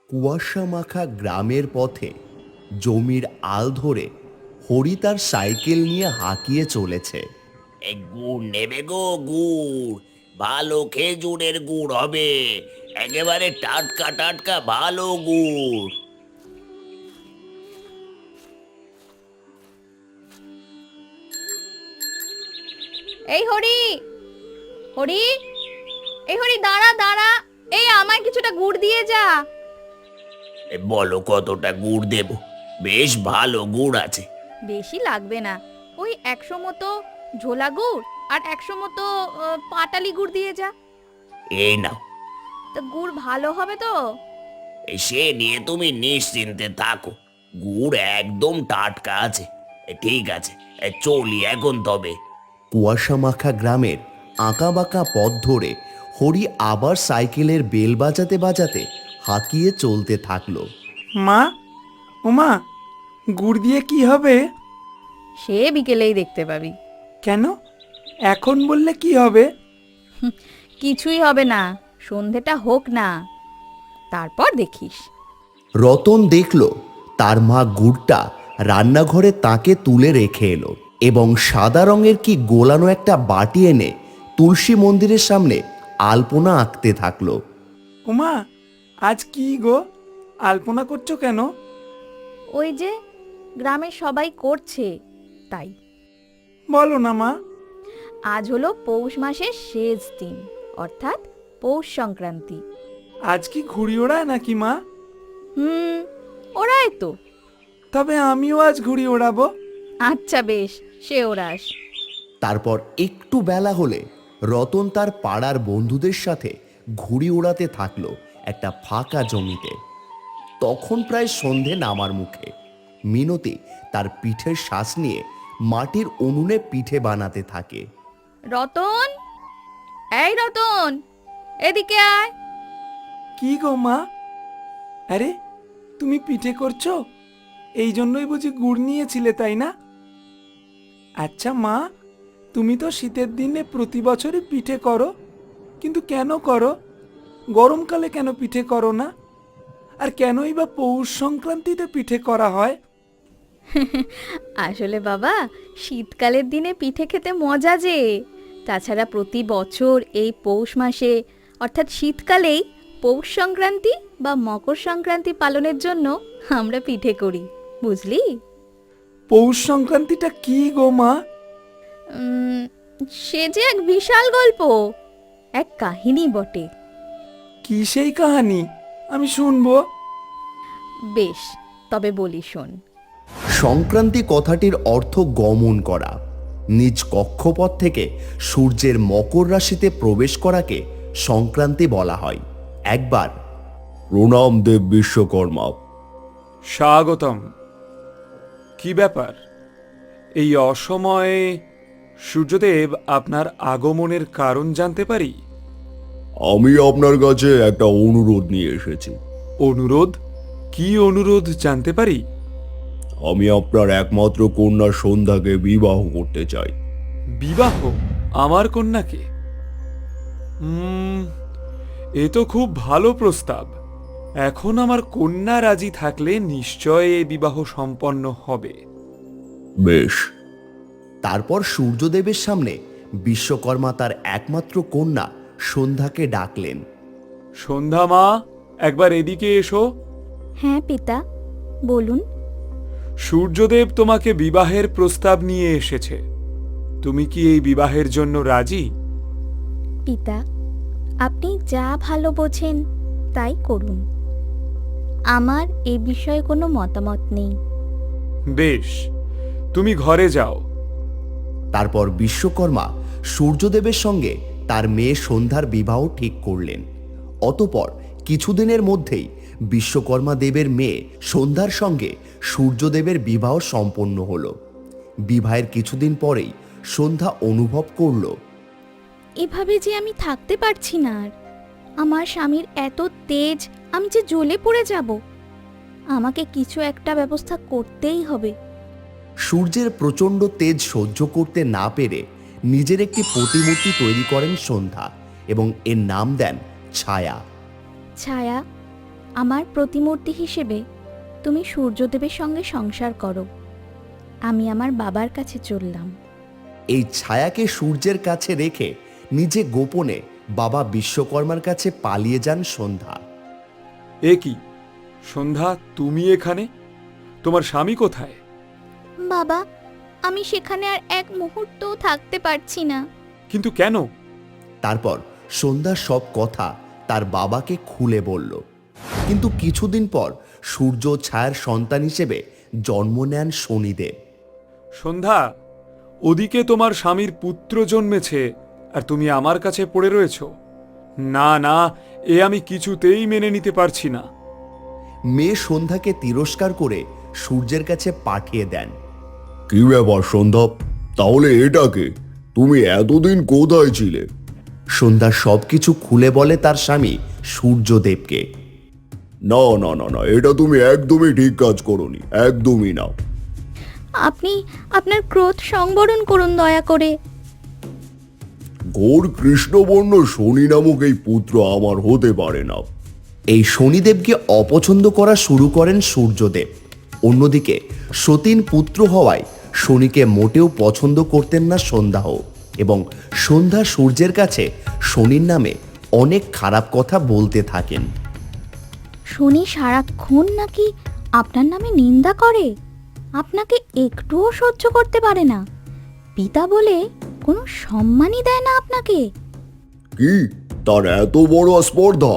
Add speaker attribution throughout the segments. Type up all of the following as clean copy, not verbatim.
Speaker 1: কুয়াশা মাখা গ্রামের পথে জমির আল ধরে হরি তার সাইকেল নিয়ে হাঁকিয়ে চলেছে।
Speaker 2: এই গুড় নেবে গো, গুড় ভালো খেজুরের গুড় হবে, একেবারে টাটকা টাটকা ভালো গুড়।
Speaker 3: এই হরি, হরি, এই হরি দাঁড়া দাঁড়া, এই আমায় কিছুটা গুড় দিয়ে যা।
Speaker 2: বলো কতটা গুড় দেব? বেশ ভালো গুড় আছে।
Speaker 3: বেশি লাগবে না, ওই 100 মতো ঝোলা গুড় আর 100 মতো পাটালি গুড় দিয়ে যা।
Speaker 2: এই নাও।
Speaker 3: তো গুড় ভালো হবে তো?
Speaker 2: সে নিয়ে তুমি নিশ্চিন্তে থাকো, গুড় একদম টাটকা আছে। ঠিক আছে, চলি এখন তবে।
Speaker 1: কুয়াশা মাখা গ্রামের আঁকা বাঁকা পথ ধরে হরি আবার সাইকেলের বেল বাজাতে বাজাতে হাঁকিয়ে চলতে থাকলো।
Speaker 4: মা, ওমা, গুড় দিয়ে কি হবে?
Speaker 3: সে বিকেলেই দেখতে পাবি।
Speaker 4: কেন? এখন বললে কি হবে?
Speaker 3: কিছুই হবে না, সন্ধেটা হোক না, তারপর দেখিস।
Speaker 1: রতন দেখল তার মা গুড়টা রান্নাঘরে তাকে তুলে রেখে এলো এবং সাদা রঙের কি গোলানো একটা বাটি এনে তুলসী মন্দিরের সামনে আলপনা আঁকতে থাকলো।
Speaker 4: ওমা, আজ কি গো, আলপনা করছো কেন?
Speaker 3: ওই যে গ্রামের সবাই করছে তাই।
Speaker 4: বলো না মা।
Speaker 3: আজ হলো পৌষ মাসের শেষ দিন, অর্থাৎ পৌষ সংক্রান্তি।
Speaker 4: আজ কি ঘুড়ি ওড়ায় নাকি মা?
Speaker 3: ওরাই তো।
Speaker 4: তবে আমিও আজ ঘুড়ি ওড়াবো।
Speaker 3: আচ্ছা বেশ, সে ওরাস।
Speaker 1: তারপর একটু বেলা হলে রতন তার পাড়ার বন্ধুদের সাথে ঘুড়ি ওড়াতে থাকলো একটা ফাঁকা জমিতে। তখন প্রায় সন্ধে নামার মুখে। মিনতি তার পিঠের শ্বাস নিয়ে মাটির উনুনে পিঠে বানাতে থাকে।
Speaker 3: রতন, এই রতন, এদিকে আয়।
Speaker 4: কি গো মা? আরে, তুমি পিঠে করছো? এই জন্যই বুঝি গুড় নিয়েছিলে, তাই না? আচ্ছা মা, তুমি তো শীতের দিনে প্রতি বছরই পিঠে করো, কিন্তু কেন করো? গরমকালে কেন পিঠে করো না? আর কেনই বা পৌষ সংক্রান্তিতে পিঠে করা হয়?
Speaker 3: আসলে বাবা, শীতকালের দিনে পিঠে খেতে মজা যে। তাছাড়া প্রতি বছর এই পৌষ মাসে, অর্থাৎ শীতকালেই পৌষ সংক্রান্তি বা মকর সংক্রান্তি পালনের জন্য আমরা পিঠে করি, বুঝলি?
Speaker 4: পৌষ সংক্রান্তিটা কি গো মা?
Speaker 3: সে যে এক বিশাল গল্প, এক কাহিনী বটে।
Speaker 4: কি সেই কাহানি? আমি শুনবো।
Speaker 3: বেশ, তবে বলি শোন।
Speaker 1: সংক্রান্তি কথাটির অর্থ গমন করা। নিজ কক্ষপথ থেকে সূর্যের মকর রাশিতে প্রবেশ করাকে সংক্রান্তি বলা হয়। একবার প্রণাম দেব বিশ্বকর্মা।
Speaker 4: স্বাগতম। কি ব্যাপার? এই অসময়ে সূর্যদেব আপনার আগমনের কারণ জানতে পারি?
Speaker 1: আমি আপনার কাছে একটা অনুরোধ নিয়ে এসেছি।
Speaker 4: অনুরোধ? কি অনুরোধ জানতে পারি?
Speaker 1: আমি আপনার একমাত্র কন্যা সন্ধ্যাকে বিবাহ করতে চাই।
Speaker 4: বিবাহ? আমার কন্যাকে? এ তো খুব ভালো প্রস্তাব। এখন আমার কন্যা রাজি থাকলে নিশ্চয় এ বিবাহ সম্পন্ন হবে।
Speaker 1: বেশ। তারপর সূর্যদেবের সামনে বিশ্বকর্মা তার একমাত্র কন্যা সন্ধ্যাকে ডাকলেন।
Speaker 4: সন্ধ্যা মা, একবার এদিকে এসো।
Speaker 3: হ্যাঁ পিতা, বলুন।
Speaker 4: সূর্যদেব তোমাকে বিবাহের প্রস্তাব নিয়ে এসেছে। তুমি কি এই বিবাহের জন্য রাজি?
Speaker 3: পিতা, আপনি যা ভালো বোঝেন তাই করুন, আমার এ বিষয়ে কোনো মতামত নেই।
Speaker 4: বেশ, তুমি ঘরে যাও।
Speaker 1: তারপর বিশ্বকর্মা সূর্যদেবের সঙ্গে তার মেয়ে সন্ধ্যার বিবাহ ঠিক করলেন। অতঃপর কিছুদিনের মধ্যেই বিশ্বকর্মা দেবের মেয়ে সন্ধ্যার সঙ্গে সূর্যদেবের বিবাহ সম্পন্ন হলো। বিবাহের কিছুদিন পরেই সন্ধ্যা অনুভব করল,
Speaker 3: এভাবে যে আমি থাকতে পারছি না আর। আমার স্বামীর এত তেজ, আমি যে জ্বলে পড়ে যাব। আমাকে কিছু একটা ব্যবস্থা করতেই হবে।
Speaker 1: সূর্যের প্রচণ্ড তেজ সহ্য করতে না পেরে নিজের একটি প্রতিমূর্তি তৈরি করেন সন্ধ্যা এবং এর নাম দেন ছায়া।
Speaker 3: ছায়া, আমার প্রতিমূর্তি হিসেবে তুমি সূর্যদেবের সঙ্গে সংসার করো। আমি আমার বাবার কাছে চললাম।
Speaker 1: এই ছায়াকে সূর্যের কাছে রেখে নিজে গোপনে বাবা বিশ্বকর্মার কাছে পালিয়ে যান সন্ধ্যা।
Speaker 5: এ কি সন্ধ্যা, তুমি এখানে? তোমার স্বামী কোথায়?
Speaker 3: বাবা, আমি সেখানে আর এক মুহূর্তও থাকতে পারছি না।
Speaker 5: কিন্তু কেন?
Speaker 1: তারপর সন্ধ্যা সব কথা তার বাবাকে খুলে বলল। কিন্তু কিছুদিন পর সূর্য ছায়ার সন্তান হিসেবে জন্ম নেন শনিদেব।
Speaker 5: সন্ধ্যা, ওদিকে তোমার স্বামীর পুত্র জন্মেছে আর তুমি আমার কাছে পড়ে রয়েছ। না না, এ আমি কিছুতেই মেনে নিতে পারছি না।
Speaker 1: মেয়ে সন্ধ্যাকে তিরস্কার করে সূর্যের কাছে পাঠিয়ে দেন।
Speaker 6: কি ব্যাপার সন্ধ্যা, তাহলে এটাকে? তুমি এতদিন কোথায় ছিলে?
Speaker 1: সন্ধ্যা সবকিছু খুলে বলে তার স্বামী সূর্যদেবকে।
Speaker 6: না না না না, এটা তুমি একদমই ঠিক কাজ করোনি, একদমই না।
Speaker 3: আপনি আপনার ক্রোধ সংবরণ করুন দয়া করে।
Speaker 6: ঘোর কৃষ্ণবর্ণ শনি নামক এই পুত্র আমার হতে পারে না।
Speaker 1: এই শনিদেবকে অপছন্দ করা শুরু করেন সূর্যদেব। অন্যদিকে সতীন পুত্র হওয়ায় শনিকে মোটেও পছন্দ করতেন না সন্ধ্যাও, এবং সন্ধ্যা সূর্যের কাছে শনির নামে অনেক খারাপ কথা বলতে থাকেন।
Speaker 3: শনি সারাক্ষণ নাকি আপনার নামে নিন্দা করে, আপনাকে একটুও সহ্য করতে পারে না, পিতা বলে কোনো সম্মানই দেয় না আপনাকে।
Speaker 6: কি, তার এত বড় স্পর্ধা?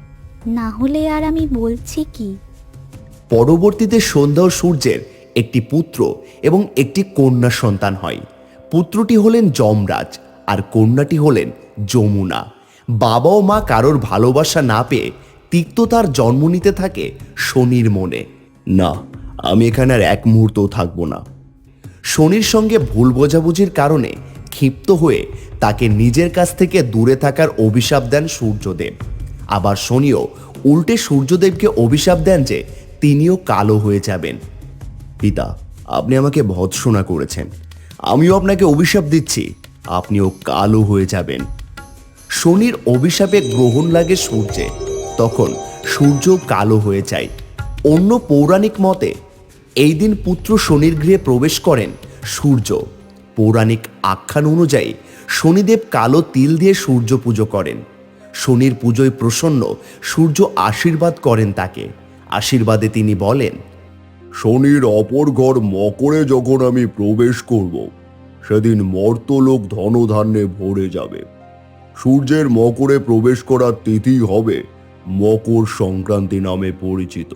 Speaker 3: না হলে আর আমি বলছি কি।
Speaker 1: পরবর্তীতে সন্ধ্যা ও সূর্যের একটি পুত্র এবং একটি কন্যা সন্তান হয়। পুত্রটি হলেন যমরাজ আর কন্যাটি হলেন যমুনা। বাবা ও মা কারোর ভালোবাসা না পেয়ে তিক্ততার জন্ম নিতে থাকে শনির মনে। না, আমি এখানে আর এক মুহূর্তও থাকবো না। শনির সঙ্গে ভুল বোঝাবুঝির কারণে ক্ষিপ্ত হয়ে তাকে নিজের কাছ থেকে দূরে থাকার অভিশাপ দেন সূর্যদেব। আবার শনিও উল্টে সূর্যদেবকে অভিশাপ দেন যে তিনিও কালো হয়ে যাবেন। পিতা, আপনি আমাকে ভৎসনা করেছেন, আমিও আপনাকে অভিশাপ দিচ্ছি, আপনিও কালো হয়ে যাবেন। শনির অভিশাপে গ্রহণ লাগে সূর্যে, তখন সূর্য কালো হয়ে যায়। অন্য পৌরাণিক মতে এই দিন পুত্র শনির গৃহে প্রবেশ করেন সূর্য। পৌরাণিক আখ্যান অনুযায়ী শনিদেব কালো তিল দিয়ে সূর্য পুজো করেন। শনির পুজোয় প্রসন্ন সূর্য আশীর্বাদ করেন তাকে। আশীর্বাদে তিনি বলেন,
Speaker 6: শনির অপর ঘর মকরে যখন আমি প্রবেশ করব, সেদিন মর্তলোক ধনধান্যে ভরে যাবে। সূর্যের মকরে প্রবেশ করার তিথি হবে মকর সংক্রান্তি নামে পরিচিত।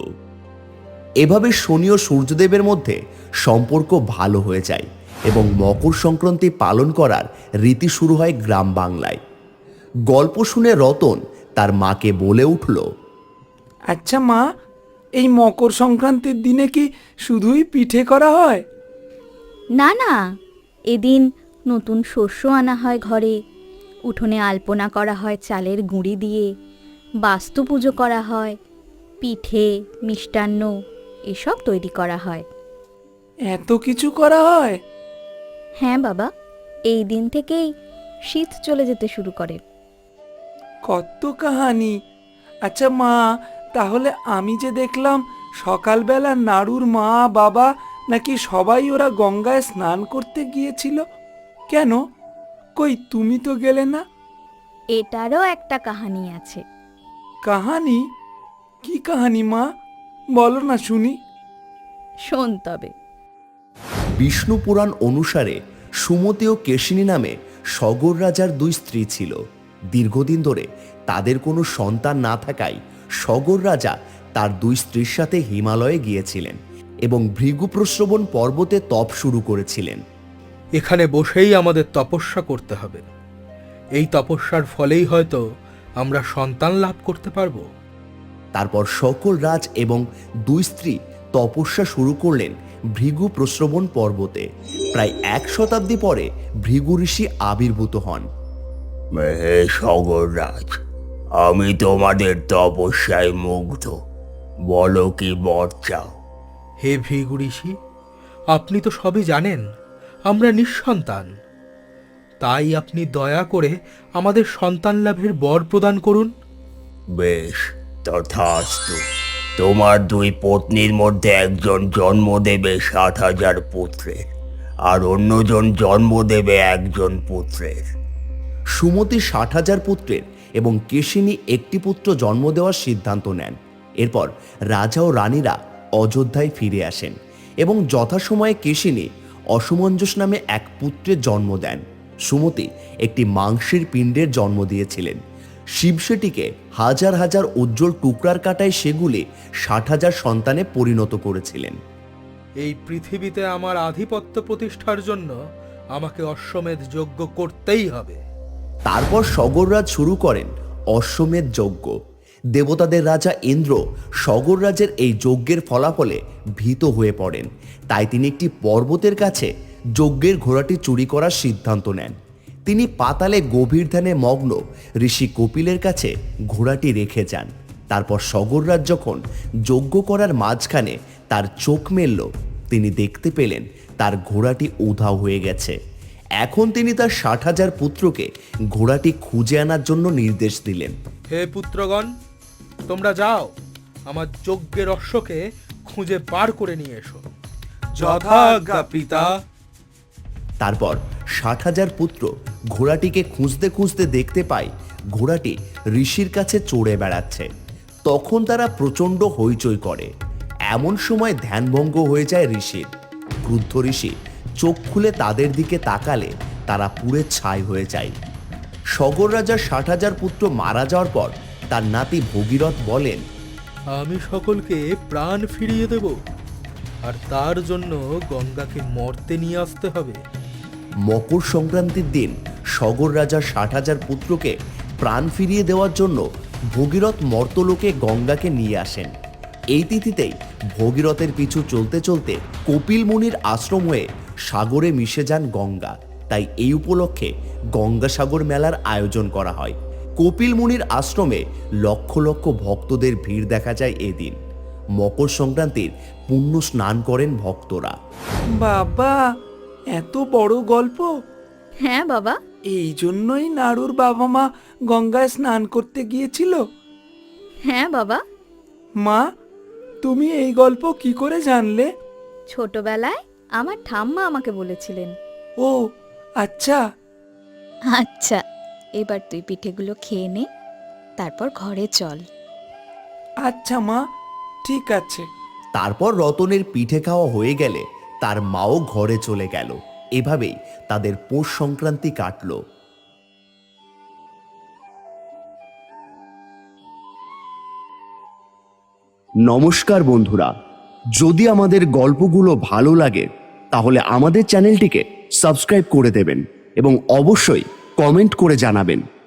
Speaker 1: এভাবে শনি ও সূর্যদেবের মধ্যে সম্পর্ক ভালো হয়ে যায় এবং মকর সংক্রান্তি পালন করার রীতি শুরু হয় গ্রাম বাংলায়। গল্প শুনে রতন তার মাকে বলে উঠল,
Speaker 4: আচ্ছা মা, এই মকর সংক্রান্তির দিনে কি শুধুই পিঠে করা হয়?
Speaker 3: না না, এদিন নতুন শস্য আনা হয় ঘরে, উঠোনে আলপনা করা হয় চালের গুঁড়ি দিয়ে, বাস্তু পুজো করা হয়, পিঠে মিষ্টান্ন এসব তৈরি করা হয়।
Speaker 4: এত কিছু করা হয়?
Speaker 3: হ্যাঁ বাবা, এই দিন থেকেই শীত চলে যেতে শুরু করে।
Speaker 4: কত কাহানি। আচ্ছা মা, তাহলে আমি যে দেখলাম সকালবেলা নাড়ুর মা বাবা নাকি সবাই ওরা গঙ্গায় স্নান করতে গিয়েছিল, কেন? কই তুমি তো গেলে না?
Speaker 3: এটারও একটা কাহানি আছে।
Speaker 4: কাহানি? কি কাহানি মা, বলো না শুনি।
Speaker 3: শোন তবে।
Speaker 1: বিষ্ণু পুরাণ অনুসারে সুমতি ও কেশিনী নামে সগর রাজার দুই স্ত্রী ছিল। দীর্ঘদিন ধরে তাদের কোনো সন্তান না থাকায় সগর রাজা তার দুই স্ত্রীর সাথে হিমালয়ে গিয়েছিলেন এবং ভৃগুপ্রশ্রবণ পর্বতে তপ শুরু করেছিলেন।
Speaker 7: এখানে বসেই আমাদের তপস্যা করতে হবে। এই তপস্যার ফলেই হয়তো আমরা সন্তান লাভ করতে পারবো।
Speaker 1: তারপর সকল রাজ এবং দুই স্ত্রী তপস্যা শুরু করলেন ভৃগু প্রশ্রবণ পর্বতে। প্রায় 1 শতাব্দী পরে ভৃগু ঋষি আবির্ভূত হন।
Speaker 2: হে সগররাজ, আমি তোমাদের তপস্যায় মুগ্ধ, বলো কি বর চাও?
Speaker 7: হে ভৃগু ঋষি, আপনি তো সবই জানেন, আমরা নিঃসন্তান। তাই আপনি দয়া করে আমাদের সন্তান লাভের বর প্রদান করুন।
Speaker 2: বেশ, তথাস্তু। তোমার দুই পত্নীর মধ্যে একজন জন্ম দেবে 7,000 পুত্রের, আর অন্যজন জন্ম দেবে একজন পুত্রের।
Speaker 1: সুমতি 60,000 পুত্রের এবং কেশিনী একটি পুত্র জন্ম দেওয়ার সিদ্ধান্ত নেন। এরপর রাজা ও রানীরা অযোধ্যায় ফিরে আসেন এবং যথাসময়ে কেশিনী অসমঞ্জস নামে এক পুত্রের জন্ম দেন। সুমতি একটি মাংসের পিণ্ডের জন্ম দিয়েছিলেন। শিব সেটিকে হাজার হাজার উজ্জ্বল টুকরার কাটায় সেগুলি 60,000 সন্তানে পরিণত করেছিলেন।
Speaker 7: এই পৃথিবীতে আমার আধিপত্য প্রতিষ্ঠার জন্য আমাকে অশ্বমেধ যজ্ঞ করতেই হবে।
Speaker 1: তারপর সগররাজ শুরু করেন অশ্বমেধ যজ্ঞ। দেবতাদের রাজা ইন্দ্র সগররাজের এই যজ্ঞের ফলাফলে ভীত হয়ে পড়েন। তাই তিনি একটি পর্বতের কাছে যজ্ঞের ঘোড়াটি চুরি করার সিদ্ধান্ত নেন। তিনি পাতালে গভীর ধ্যানে মগ্ন ঋষি কপিলের কাছে ঘোড়াটি রেখে যান। তারপর সগররাজ যখন যজ্ঞ করার মাঝখানে তার চোখ মেলল, তিনি দেখতে পেলেন তার ঘোড়াটি উধাও হয়ে গেছে। এখন তিনি তার 60,000 পুত্রকে ঘোড়াটি খুঁজে আনার জন্য নির্দেশ দিলেন।
Speaker 7: হে পুত্রগণ, তোমরা যাও, আমার যজ্ঞের অশ্বকে খুঁজে বার করে নিয়ে এসো। যথাজ্ঞা পিতা।
Speaker 1: তারপর 60,000 পুত্র ঘোড়াটিকে খুঁজতে খুঁজতে দেখতে পায় ঘোড়াটি ঋষির কাছে চড়ে বেড়াচ্ছে। তখন তারা প্রচণ্ড হইচই করে। এমন সময় ধ্যানভঙ্গ হয়ে যায় ঋষির। ক্রুদ্ধ ঋষি চোখ খুলে তাদের দিকে তাকালে তারা পুড়ে ছাই হয়ে যায়। সগর রাজার 60,000 পুত্র মারা যাওয়ার পর তার নাতি ভগীরথ বলেন,
Speaker 7: আমি সকলকে প্রাণ ফিরিয়ে দেব, আর তার জন্য গঙ্গাকে মর্তে নিয়ে আসতে হবে।
Speaker 1: মকর সংক্রান্তির দিন সগর রাজার 60,000 পুত্রকে প্রাণ ফিরিয়ে দেওয়ার জন্য ভগীরথ মর্তলোকে গঙ্গাকে নিয়ে আসেন। এই তিথিতেই ভগীরথের পিছু চলতে চলতে কপিল মুনির আশ্রম হয়ে সাগরে মিশে যান গঙ্গা। তাই এই উপলক্ষে গঙ্গাসাগর মেলার আয়োজন করা হয়। কপিল মুনির আশ্রমে লক্ষ লক্ষ ভক্তদের ভিড় দেখা যায় এদিন। মকর সংক্রান্তির পুণ্য স্নান করেন ভক্তরা।
Speaker 4: বাবা, এত বড় গল্প!
Speaker 3: হ্যাঁ বাবা।
Speaker 4: এই জন্যই নাড়ুর বাবা মা গঙ্গায় স্নান করতে গিয়েছিল।
Speaker 3: হ্যাঁ বাবা।
Speaker 4: মা, তুমি এই গল্প কি করে জানলে?
Speaker 3: ছোটবেলায় আমার ঠাম্মা আমাকে বলেছিলেন।
Speaker 4: ও আচ্ছা।
Speaker 3: আচ্ছা, এবার তুই পিঠেগুলো খেয়ে নে, তারপর ঘরে চল।
Speaker 4: আচ্ছা মা, ঠিক আছে।
Speaker 1: তারপর রতনের পিঠে খাওয়া হয়ে গেলে তার মাও ঘরে চলে গেল। এভাবেই তাদের পৌষ সংক্রান্তি কাটল। নমস্কার বন্ধুরা, যদি আমাদের গল্পগুলো ভালো লাগে তাহলে আমাদের চ্যানেলটিকে সাবস্ক্রাইব করে দেবেন এবং অবশ্যই কমেন্ট করে জানাবেন